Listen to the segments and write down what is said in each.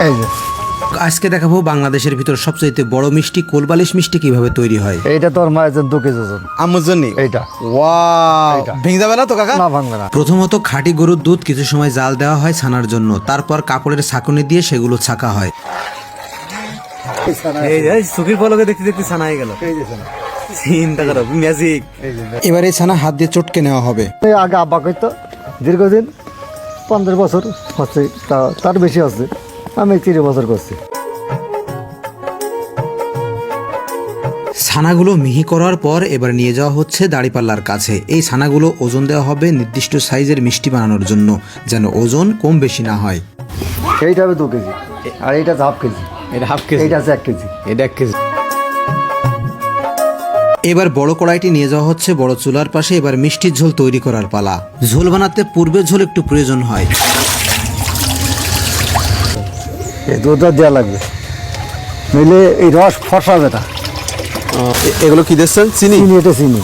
এই যে আজকে দেখাবো বাংলাদেশের ভিতর সবচেয়ে বড় মিষ্টি কোলবালিশ মিষ্টি কিভাবে তৈরি হয়। এইটা তোর মায়ের জন্য 2 কেজি ওজন। আম্মুর জন্য এইটা ওয়াও, ভেঙে যাবে না তো কাকা? না, ভাঙবে না। প্রথমত খাঁটি গরুর দুধ কিছু সময় জাল দেওয়া হয় ছানার জন্য, তারপর কাপড়ের ছাঁকুনি দিয়ে সেগুলো ছাঁকা হয়। এই সুখীর পলকে দেখতে দেখতে ছানা হয়ে গেল। চিন্তা করো, ম্যাজিক। এবার এই ছানা হাত দিয়ে চটকে নেওয়া হবে। এই আগে আব্বা করতো দীর্ঘদিন 15 বছর হচ্ছে, তার বেশি হচ্ছে। আমি 30 বছর করছি। ছানাগুলো মিহি করার পর এবার নিয়ে যাওয়া হচ্ছে দাঁড়িপাল্লার কাছে। এই ছানাগুলো ওজন দেওয়া হবে নির্দিষ্ট সাইজের মিষ্টি বানানোর জন্য, যেন ওজন কম বেশি না হয়। এইটা হবে 2 কেজি, আর এইটা হাফ কেজি। এটা হাফ কেজি, এইটা আছে 1 কেজি। এটা 1 কেজি। এবার বড় কড়াইটি নিয়ে যাওয়া হচ্ছে বড় চুলার পাশে। এবার মিষ্টির ঝোল তৈরি করার পালা। ঝোল বানাতে পূর্বের ঝোল একটু প্রয়োজন হয়। এই দুধটা দেওয়া লাগবে, নইলে এই রস ফসাবে না। এগুলো কি দিচ্ছেন? চিনি? চিনি, এটা চিনি।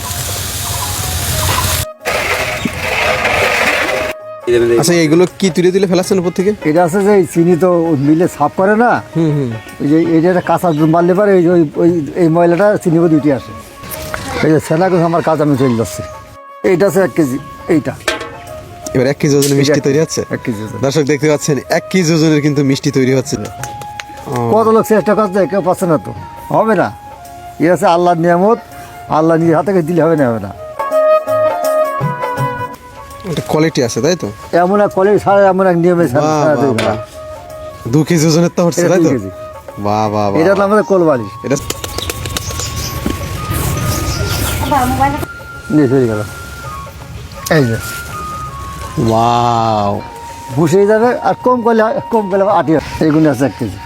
আচ্ছা, এগুলো কি তুলে তুলে ফেলাচ্ছেন উপর থেকে? এটা আছে যে চিনি তো মিলে সাফ করে না, ওই যে এইটা একটা কাঁচা দুধ মারলে পারে এই ময়লাটা চিনি করে দুইটি আসে। এই যে সেনা করে আমার কাজ আমি চলে যাচ্ছি। এইটা আছে 1 কেজি। এইটা এবার 1 কেজি ওজনের মিষ্টি তৈরি হচ্ছে। 1 কেজি ওজন। দর্শক দেখতে পাচ্ছেন 1 কেজি ওজনের কিন্তু মিষ্টি তৈরি হচ্ছে। কত লোক চেষ্টা করছে, কেউ পাচ্ছে না তো, হবে না। এ আছে আল্লাহর নিয়ামত, আল্লাহ নিজের হাতে দিলে হবে না, হবে না। একটা কোয়ালিটি আছে, তাই তো? এমন এক কলেজ ছাড়া, এমন এক নিয়মে ছাড়া দেবে না। 2 কেজি ওজনের তো হচ্ছে, এটা তাই 2 তো? কেজি। বাহ বাহ বাহ। এটা তো আমাদের কোলবালিশ। এটা নিয়ে চলে গেল। এই যে ওয়াও, বসে যাবে, আর কম করলে 8 এইগুলো আছে 1 কেজি।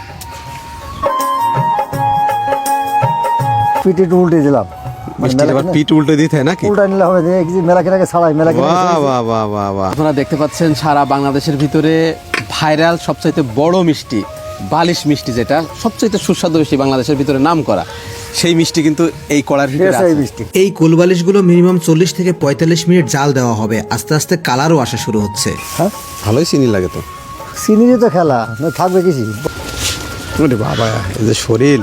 পিঠে একটু উল্টে দিলাম, মিষ্টি আবার পিঠ উল্টে দিতে হয় নাকি? উল্টা নিলে হবে না। 1 কেজি মেলা কেনাকে ছাড়াই, মেলা কেনাকে বাহ বাহ বাহ বাহ বাহ। আপনারা দেখতে পাচ্ছেন সারা বাংলাদেশের ভিতরে ভাইরাল সবচাইতে বড় মিষ্টি বালিশ মিষ্টি, যেটা সবচাইতে সুস্বাদু মিষ্টি বাংলাদেশের ভিতরে নাম করা, সেই মিষ্টি কিন্তু এই কড়ার ভিতরে এই আছে। মিষ্টি। এই কোলবালিশগুলো মিনিমাম 40 থেকে 45 মিনিট জাল দেওয়া হবে। আস্তে আস্তে কালারও আসা শুরু হচ্ছে। হ্যাঁ, ভালোই চিনি লাগে তো। চিনিরই তো খেলা, না থাকবে কিছু। ওরে বাবা, এই যে শরীর।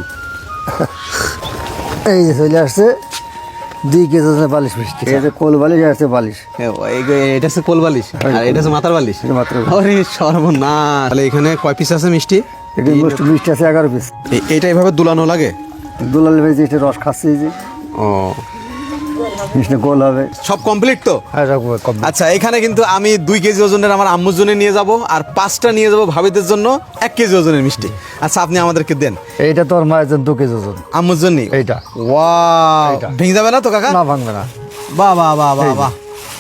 এই যে চলে আসছে 2 কেজি ওজনের বালিশ মিষ্টি। এই যে কোল বালিশ, আছে বালিশ। এটা হচ্ছে কোল বালিশ, আর এটা হচ্ছে মাথার বালিশ। এটা মাত্র আরে সর্বনাশ। তাহলে এখানে কয় পিস আছে মিষ্টি? এটা মিষ্টি আছে 11 পিস। এইটা এইভাবে দুলানো লাগে? দুলাল ভেজে এটা রস খাচ্ছে, এই যে ও, মিষ্টি গোল হবে। সব কমপ্লিট তো? হ্যাঁ, সব কম। আচ্ছা, এখানে কিন্তু আমি 2 কেজি ওজনের আমার আম্মুর জন্য নিয়ে যাব, আর 5টা নিয়ে যাব ভাবিদের জন্য 1 কেজি ওজনের মিষ্টি। আচ্ছা, আপনি আমাদেরকে দেন। এইটা তোর মায়ের জন্য 2 কেজি ওজন। আম্মুর জন্য এইটা ওয়াও, ভেঙে যাবে না তো কাকা? না, ভাঙবে না। বাহ বাহ বাহ বাহ বাহ।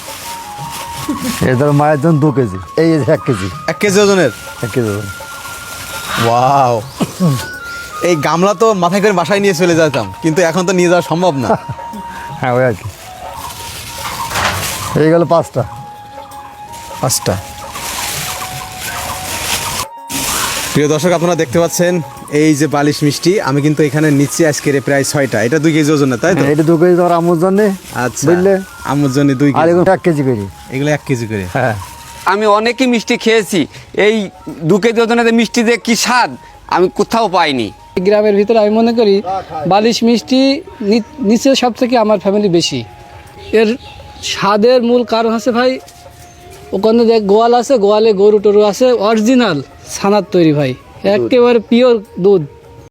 এই তোর মায়ের জন্য 2 কেজি। এই যে 1 কেজি, 1 কেজি ওজনের 1 কেজি ওজন। ওয়াও। এই গামলা তো মাথায় করে বাসায় নিয়ে চলে যেতাম, কিন্তু এখন তো নিয়ে যাওয়া সম্ভব না। হ্যাঁ, ওই আর কি। এই গেল 5টা। 5টা। প্রিয় দর্শক, আপনারা দেখতে পাচ্ছেন এই যে বালিশ মিষ্টি, আমি কিন্তু এখানে নিচ্ছি আজকের প্রায় 6টা। এটা 2 কেজি ওজন, তাই তো? এটা 2 কেজি তোর আম্মুর জন্য, আচ্ছা, বুঝলে? আম্মুর জন্য 2 আর কেজি। এগুলো 1 কেজি করি। এগুলো 1 কেজি করে। হ্যাঁ, আমি অনেকই মিষ্টি খেয়েছি, এই 2 কেজি ওজনের মিষ্টি যে কি স্বাদ আমি কোথাও পাইনি। গ্রামের ভিতরে আমি মনে করি বালিশ মিষ্টি নিচে সব থেকে আমার ফ্যামিলি বেশি। এর স্বাদের মূল কারণ আছে ভাই, ওখানে দেখ গোয়াল আছে, গোয়ালে গরু টরু আছে, অরিজিনাল ছানার তৈরি ভাই, একেবারে পিওর দুধ।